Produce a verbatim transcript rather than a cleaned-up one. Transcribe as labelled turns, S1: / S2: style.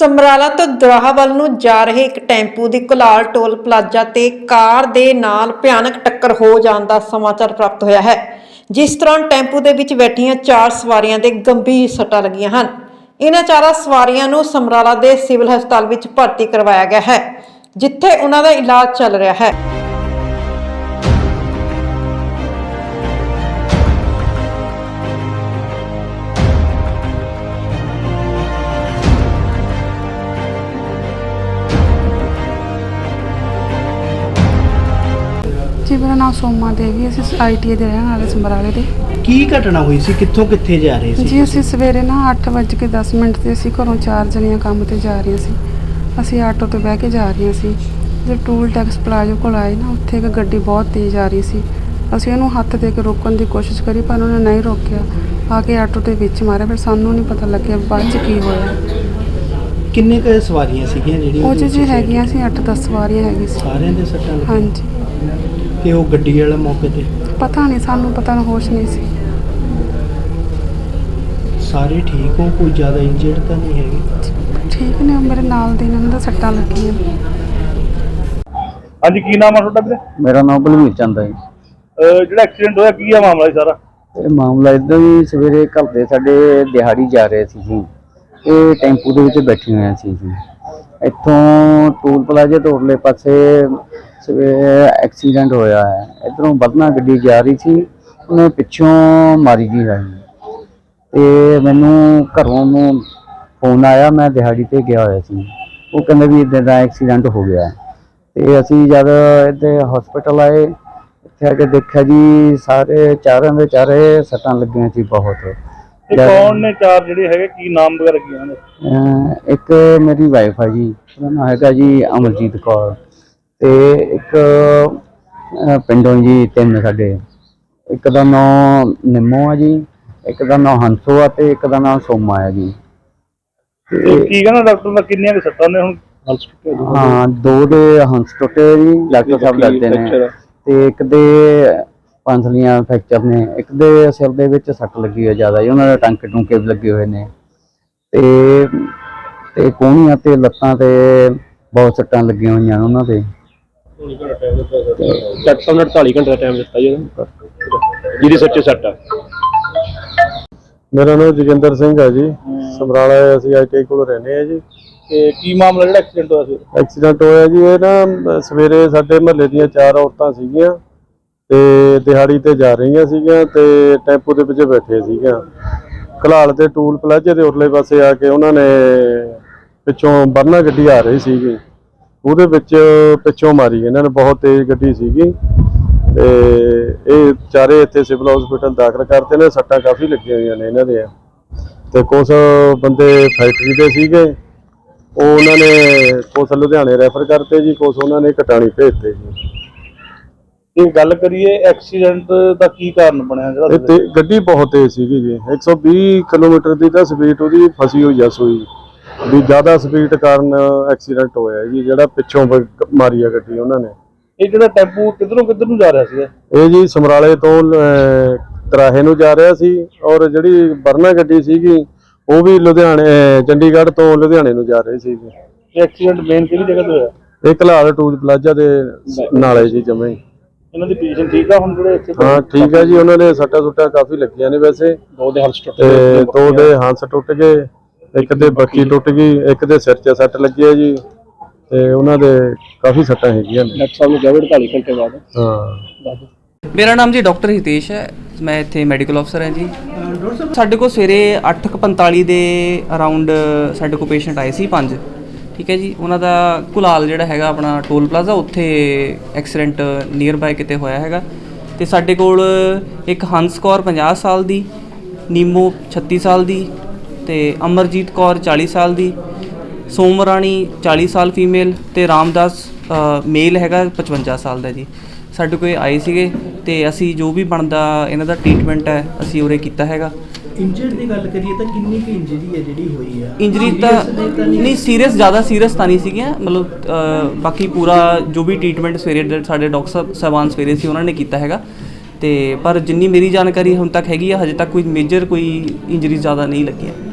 S1: ਸਮਰਾਲਾ ਤੋਂ ਦਰਾਹਾ ਵੱਲ ਨੂੰ ਜਾ ਰਹੇ ਇੱਕ ਟੈਂਪੂ ਦੀ ਕੁਲਾਲ ਟੋਲ ਪਲਾਜ਼ਾ ਤੇ ਕਾਰ ਦੇ ਨਾਲ ਭਿਆਨਕ ਟੱਕਰ ਹੋ ਜਾਣ ਦਾ ਸਮਾਚਾਰ ਪ੍ਰਾਪਤ ਹੋਇਆ ਹੈ, ਜਿਸ ਦੌਰਾਨ ਟੈਂਪੂ ਦੇ ਵਿੱਚ ਬੈਠੀਆਂ ਚਾਰ ਸਵਾਰੀਆਂ ਦੇ ਗੰਭੀਰ ਸੱਟਾਂ ਲੱਗੀਆਂ ਹਨ। ਇਹਨਾਂ ਚਾਰਾਂ ਸਵਾਰੀਆਂ ਨੂੰ ਸਮਰਾਲਾ ਦੇ ਸਿਵਲ ਹਸਪਤਾਲ ਵਿੱਚ ਭਰਤੀ ਕਰਵਾਇਆ ਗਿਆ ਹੈ, ਜਿੱਥੇ ਉਹਨਾਂ ਦਾ ਇਲਾਜ ਚੱਲ ਰਿਹਾ ਹੈ।
S2: जी मेरा नाम सोमा देवी, ਅਸੀਂ आई टी आई ਦੇ ਰਹਿਣ ਵਾਲੇ ਸਮਰਾਲੇ ਦੇ।
S3: ਕੀ ਘਟਨਾ ਹੋਈ ਸੀ? ਕਿੱਥੋਂ ਕਿੱਥੇ ਜਾ ਰਹੇ ਸੀ?
S2: ਜੀ ਅਸੀਂ ਸਵੇਰੇ ਨਾ ਅੱਠ ਵੱਜ ਕੇ ਦਸ ਮਿੰਟ ਤੇ ਅਸੀਂ ਘਰੋਂ ਚਾਰ ਜਣੀਆਂ ਕੰਮ ਤੇ ਜਾ ਰਹੀਆਂ ਸੀ। ਅਸੀਂ ਆਟੋ ਤੇ ਬਹਿ ਕੇ ਜਾ ਰਹੀਆਂ ਸੀ। ਜਦ ਟੂਲ ਟੈਕਸ ਪਲਾਜ਼ੋ ਕੋਲ ਆਏ ਨਾ, ਉੱਥੇ ਇੱਕ ਗੱਡੀ ਬਹੁਤ ਤੇਜ਼ ਆ ਰਹੀ ਸੀ। ਅਸੀਂ ਉਹਨੂੰ ਹੱਥ ਦੇ ਕੇ ਰੋਕਣ ਦੀ ਕੋਸ਼ਿਸ਼ ਕਰੀ, ਪਰ ਉਹਨੇ ਨਹੀਂ ਰੋਕਿਆ। ਆ ਕੇ ਆਟੋ ਦੇ ਵਿੱਚ ਮਾਰਿਆ। ਫਿਰ ਸਾਨੂੰ ਨਹੀਂ ਪਤਾ ਲੱਗਿਆ ਬਾਅਦ 'ਚ ਕੀ ਹੋਇਆ।
S3: ਕਿੰਨੇ ਕੁ ਸਵਾਰੀਆਂ ਸੀਗੀਆਂ ਜਿਹੜੀਆਂ?
S2: ਉਹ 'ਚ ਜੀ ਹੈਗੀਆਂ ਸੀ ਅੱਠ ਦਸ ਸਵਾਰੀਆਂ ਹੈਗੀ ਸੀ।
S3: ਸਾਰਿਆਂ ਦੇ ਸੱਟਾਂ ਲੱਗੀਆਂ?
S2: ਹਾਂਜੀ।
S3: ਤੇ ਉਹ ਗੱਡੀ ਵਾਲਾ ਮੌਕੇ ਤੇ?
S2: ਪਤਾ ਨਹੀਂ, ਸਾਨੂੰ ਪਤਾ ਨਾ, ਹੋਸ਼ ਨਹੀਂ ਸੀ।
S3: ਸਾਰੇ ਠੀਕ ਹੋ? ਕੋਈ ਜ਼ਿਆਦਾ ਇੰਜਰਡ ਤਾਂ ਨਹੀਂ ਹੈਗੇ?
S2: ਠੀਕ ਨੇ, ਮੇਰੇ ਨਾਲ ਦੇ ਇਹਨਾਂ ਦਾ ਸੱਟਾਂ ਲੱਗੀਆਂ।
S4: ਹਾਂਜੀ, ਕੀ ਨਾਮ ਆ ਤੁਹਾਡਾ ਵੀਰੇ?
S5: ਮੇਰਾ ਨਾਮ ਬਲਵੀਰ ਚੰਦ ਹੈ ਜੀ।
S4: ਜਿਹੜਾ ਐਕਸੀਡੈਂਟ ਹੋਇਆ ਕੀ ਆ ਮਾਮਲਾ ਜੀ ਸਾਰਾ?
S5: ਇਹ ਮਾਮਲਾ ਇੱਦਾਂ ਹੀ, ਸਵੇਰੇ ਘਰ ਦੇ ਸਾਡੇ ਦਿਹਾੜੀ ਜਾ ਰਹੇ ਸੀ ਜੀ। ਇਹ ਟੈਂਪੂ ਦੇ ਵਿੱਚ ਬੈਠੇ ਹੋਏ ਸੀ ਜੀ। ਇੱਥੋਂ ਟੂਲ ਪਲਾਜ਼ੇ ਤੋਂ ਉਰਲੇ ਪਾਸੇ ਸਵੇਰੇ ਐਕਸੀਡੈਂਟ ਹੋਇਆ ਹੈ। ਇੱਧਰੋਂ ਵਧਣਾ ਗੱਡੀ ਜਾ ਰਹੀ ਸੀ, ਉਹਨੇ ਪਿੱਛੋਂ ਮਾਰੀ ਗਈ ਹੈ। ਤੇ ਮੈਨੂੰ ਘਰੋਂ ਨੂੰ ਫੋਨ ਆਇਆ, ਮੈਂ ਦਿਹਾੜੀ ਤੇ ਗਿਆ ਹੋਇਆ ਸੀ। ਉਹ ਕਹਿੰਦੇ ਵੀ ਇੱਦਾਂ ਦਾ ਐਕਸੀਡੈਂਟ ਹੋ ਗਿਆ। ਤੇ ਅਸੀਂ ਜਦ ਇੱਥੇ ਹਸਪੀਟਲ ਆਏ, ਇੱਥੇ ਆ ਕੇ ਦੇਖਿਆ ਜੀ ਸਾਰੇ ਚਾਰਾਂ ਦੇ ਚਾਰੇ ਸੱਟਾਂ ਲੱਗੀਆਂ ਸੀ ਬਹੁਤ।
S4: ਇਹ ਕੌਣ ਨੇ ਚਾਰ ਜਿਹੜੇ ਹੈਗੇ, ਕੀ ਨਾਮ ਵਗੈਰਾ ਕੀ ਉਹਨਾਂ ਦੇ?
S5: ਇੱਕ ਮੇਰੀ ਵਾਈਫ ਆ ਜੀ, ਉਹਦਾ ਨਾਮ ਹੈਗਾ ਜੀ ਅਮਰਜੀਤ ਕੌਰ। ਤੇ ਇੱਕ ਪਿੰਡੋਂ ਜੀ ਤਿੰਨ ਸਾਡੇ, ਇੱਕ ਦਾ ਨਾਮ ਨਿੰਮੋ ਆ ਜੀ, ਇੱਕ ਦਾ ਨਾਮ ਹੰਸੋ ਆ, ਤੇ ਇੱਕ ਦਾ ਨਾਮ ਸੋਮਾ ਆ ਜੀ।
S4: ਕੀ ਕਹਿੰਦਾ ਡਾਕਟਰ ਦਾ, ਕਿੰਨੀਆਂ ਕੁ ਸੱਟਾਂ ਨੇ ਹੁਣ?
S5: ਹਾਂ, ਦੋ ਦੇ ਹੰਸ ਟੁੱਟੇ ਜੀ, ਡਾਕਟਰ ਸਾਹਿਬ ਦੱਸਦੇ ਨੇ। ਤੇ ਇੱਕ ਦੇ ਪੰਸਲੀਆਂ ਫ੍ਰੈਕਚਰ ਨੇ, ਇੱਕ ਦੇ ਸਿਰ ਦੇ ਵਿੱਚ ਸੱਟ ਲੱਗੀ ਹੈ ਜ਼ਿਆਦਾ ਜੀ, ਉਹਨਾਂ ਦੇ ਟਾਂਕੇ ਟੂੰਕੇ ਵੀ ਲੱਗੇ ਹੋਏ ਨੇ। ਤੇ ਤੇ ਕੋਹਣੀਆਂ ਤੇ ਲੱਤਾਂ ਤੇ ਬਹੁਤ ਸੱਟਾਂ ਲੱਗੀਆਂ ਹੋਈਆਂ ਉਹਨਾਂ ਦੇ।
S4: ਡਾਕਟਰ ਨੇ ਅੜਤਾਲੀ ਘੰਟੇ ਦਾ ਟਾਈਮ ਦਿੱਤਾ ਜੀ ਜਿਹਦੀ ਸੱਚੇ ਸੱਟ ਆ।
S6: ਮੇਰਾ ਨਾਮ ਜੋਗਿੰਦਰ ਸਿੰਘ ਹੈ ਜੀ, ਸਮਰਾਲਾ ਅਸੀਂ ਆਈ ਟੀ ਆਈ ਕੋਲ ਰਹਿੰਦੇ ਆ ਜੀ।
S4: ਤੇ ਕੀ ਮਾਮਲਾ ਜਿਹੜਾ ਐਕਸੀਡੈਂਟ ਹੋਇਆ ਸੀ?
S6: ਐਕਸੀਡੈਂਟ ਹੋਇਆ ਜੀ, ਇਹ ਨਾ ਸਵੇਰੇ ਸਾਡੇ ਮਹੱਲੇ ਦੀਆਂ ਚਾਰ ਔਰਤਾਂ ਸੀਗੀਆਂ ਤੇ ਦਿਹਾੜੀ ਤੇ ਜਾ ਰਹੀਆਂ ਸੀਗੀਆਂ, ਤੇ ਟੈਂਪੂ ਦੇ ਵਿੱਚ ਬੈਠੇ ਸੀਗੀਆਂ। ਘਲਾਲ ਤੇ ਟੂਲ ਪਲਾਜ਼ੇ ਦੇ ਉਰਲੇ ਪਾਸੇ ਆ ਕੇ ਉਹਨਾਂ ਨੇ ਪਿੱਛੋਂ ਵਰਨਾ ਗੱਡੀ ਆ ਰਹੀ ਸੀਗੀ, ਉਹਦੇ ਵਿੱਚ ਪਿੱਛੋਂ ਮਾਰੀ ਇਹਨਾਂ ਨੇ। ਬਹੁਤ ਤੇਜ਼ ਗੱਡੀ ਸੀਗੀ। ਤੇ ਇਹ ਚਾਰੇ ਇੱਥੇ ਸਿਵਲ ਹਸਪੀਟਲ ਦਾਖਲ ਕਰਤੇ ਨੇ। ਸੱਟਾਂ ਕਾਫੀ ਲੱਗੀਆਂ ਹੋਈਆਂ ਨੇ ਇਹਨਾਂ ਦੇ। ਤੇ ਕੁਛ ਬੰਦੇ ਫੈਕਟਰੀ ਦੇ ਸੀਗੇ, ਉਹ ਉਹਨਾਂ ਨੇ ਕੁਛ ਲੁਧਿਆਣੇ ਰੈਫਰ ਕਰਤੇ ਜੀ, ਕੁਛ ਉਹਨਾਂ ਨੇ ਕਟਾਣੀ ਭੇਜਤੇ ਜੀ।
S4: ਇਹ ਗੱਲ ਕਰੀਏ ਐਕਸੀਡੈਂਟ ਦਾ ਕੀ ਕਾਰਨ ਬਣਿਆ ਜਿਹੜਾ?
S6: ਤੇ ਗੱਡੀ ਬਹੁਤ ਤੇਜ਼ ਸੀਗੀ ਜੀ, ਇੱਕ ਸੌ ਵੀਹ ਕਿਲੋਮੀਟਰ ਦੀ ਤਾਂ ਸਪੀਡ ਉਹਦੀ ਫਸੀ ਹੋਈ ਆ ਸੂਈ ਵੀ, ਜ਼ਿਆਦਾ ਸਪੀਡ ਕਾਰਨ ਐਕਸੀਡੈਂਟ ਹੋਇਆ ਜੀ, ਜਿਹੜਾ ਪਿੱਛੋਂ ਮਾਰੀ ਆ ਗੱਡੀ ਉਹਨਾਂ ਨੇ।
S4: ਇਹ ਜਿਹੜਾ ਟੈਂਪੂ ਕਿੱਧਰੋਂ ਕਿੱਧਰ ਨੂੰ ਜਾ ਰਿਹਾ ਸੀ?
S6: ਇਹ ਜੀ ਸਮਰਾਲੇ ਤੋਂ ਤਰਾਹੇ ਨੂੰ ਜਾ ਰਿਹਾ ਸੀ, ਔਰ ਜਿਹੜੀ ਵਰਨਾ ਗੱਡੀ ਸੀਗੀ ਉਹ ਵੀ ਲੁਧਿਆਣੇ ਚੰਡੀਗੜ੍ਹ ਤੋਂ ਲੁਧਿਆਣੇ ਨੂੰ ਜਾ ਰਹੀ ਸੀ ਜੀ।
S4: ਇਹ ਐਕਸੀਡੈਂਟ ਮੇਨ ਕਿਹੜੀ ਜਗ੍ਹਾ ਤੇ ਹੋਇਆ?
S6: ਇਹ ਘਲਾਲ ਟੂਲ ਪਲਾਜ਼ਾ ਦੇ ਨਾਲੇ ਜੀ ਜਮੇ।
S4: ਇਹਨਾਂ ਦੀ ਪੋਜੀਸ਼ਨ ਠੀਕ ਆ ਹੁਣ ਜਿਹੜੇ ਇੱਥੇ?
S6: ਹਾਂ ਠੀਕ ਹੈ ਜੀ, ਉਹਨਾਂ ਦੇ ਸੱਟਾਂ ਸੁੱਟਾਂ ਕਾਫੀ ਲੱਗੀਆਂ ਨੇ ਵੈਸੇ।
S4: ਦੋ ਦੇ ਹੰਸ ਟੁੱਟ
S6: ਗਏ, ਦੋ ਦੇ ਹੰਸ ਟੁੱਟ ਗਏ, ਇੱਕ ਦੇ ਬੱਕੀ ਟੁੱਟ ਗਈ, ਇੱਕ ਦੇ ਸਿਰ 'ਚ ਸੱਟ ਲੱਗੀ ਹੈ ਜੀ। ਤੇ ਉਹਨਾਂ ਦੇ ਕਾਫੀ ਸੱਟਾਂ ਹੈਗੀਆਂ ਨੇ।
S4: ਡਾਕਟਰ ਸਾਹਿਬ ਨੂੰ ਕਿਹਾ ਅੜਤਾਲੀ ਘੰਟੇ ਬਾਅਦ।
S6: ਹਾਂ।
S7: ਮੇਰਾ ਨਾਮ ਜੀ ਡਾਕਟਰ ਹਿਤੇਸ਼ ਹੈ, ਮੈਂ ਇੱਥੇ ਮੈਡੀਕਲ ਅਫਸਰ ਹਾਂ ਜੀ। ਸਾਡੇ ਕੋਲ ਸਵੇਰੇ ਅੱਠ ਕੁ ਪੰਤਾਲੀ ਦੇ ਅਰਾਊਂਡ ਸਾਡੇ ਕੋਲ ਪੇਸ਼ੈਂਟ ਆਏ ਸੀ ਪੰਜ, ਠੀਕ ਹੈ ਜੀ। ਉਹਨਾਂ ਦਾ ਕੁਲਾਲ ਜਿਹੜਾ ਹੈਗਾ ਆਪਣਾ ਟੋਲ ਪਲਾਜ਼ਾ, ਉੱਥੇ ਐਕਸੀਡੈਂਟ ਨੀਅਰ ਬਾਏ ਕਿਤੇ ਹੋਇਆ ਹੈਗਾ। ਅਤੇ ਸਾਡੇ ਕੋਲ ਇੱਕ ਹੰਸ ਕੌਰ ਪੰਜਾਹ ਸਾਲ ਦੀ, ਨੀਮੋ ਛੱਤੀ ਸਾਲ ਦੀ, ਅਤੇ ਅਮਰਜੀਤ ਕੌਰ ਚਾਲੀ ਸਾਲ ਦੀ, ਸੋਮ ਰਾਣੀ ਚਾਲੀ ਸਾਲ ਫੀਮੇਲ, ਅਤੇ ਰਾਮਦਾਸ ਮੇਲ ਹੈਗਾ ਪਚਵੰਜਾ ਸਾਲ ਦਾ ਜੀ। ਸਾਡੇ ਕੋਲ ਆਏ ਸੀਗੇ, ਅਤੇ ਅਸੀਂ ਜੋ ਵੀ ਬਣਦਾ ਇਹਨਾਂ ਦਾ ਟਰੀਟਮੈਂਟ ਹੈ ਅਸੀਂ ਉਰੇ ਕੀਤਾ ਹੈਗਾ।
S3: ਇੰਜਰਡ ਦੀ ਗੱਲ ਕਰੀਏ ਤਾਂ ਕਿੰਨੀ ਕੁ ਇੰਜਰੀ ਹੈ ਜਿਹੜੀ ਹੋਈ ਆ?
S7: ਇੰਜਰੀ ਤਾਂ ਨਹੀਂ ਸੀਰੀਅਸ, ਜ਼ਿਆਦਾ ਸੀਰੀਅਸ ਤਾਂ ਨਹੀਂ ਸੀਗੀਆਂ, ਮਤਲਬ ਬਾਕੀ ਪੂਰਾ ਜੋ ਵੀ ਟਰੀਟਮੈਂਟ ਸਵੇਰੇ ਸਾਡੇ ਡਾਕਟਰ ਸਾਹਿਬਾਨ ਸਵੇਰੇ ਸੀ ਉਹਨਾਂ ਨੇ ਕੀਤਾ ਹੈਗਾ। ਤੇ ਪਰ ਜਿੰਨੀ ਮੇਰੀ ਜਾਣਕਾਰੀ ਹੁਣ ਤੱਕ ਹੈਗੀ ਆ, ਹਜੇ ਤੱਕ ਕੋਈ ਮੇਜਰ ਕੋਈ ਇੰਜਰੀ ਜ਼ਿਆਦਾ ਨਹੀਂ ਲੱਗੀਆਂ।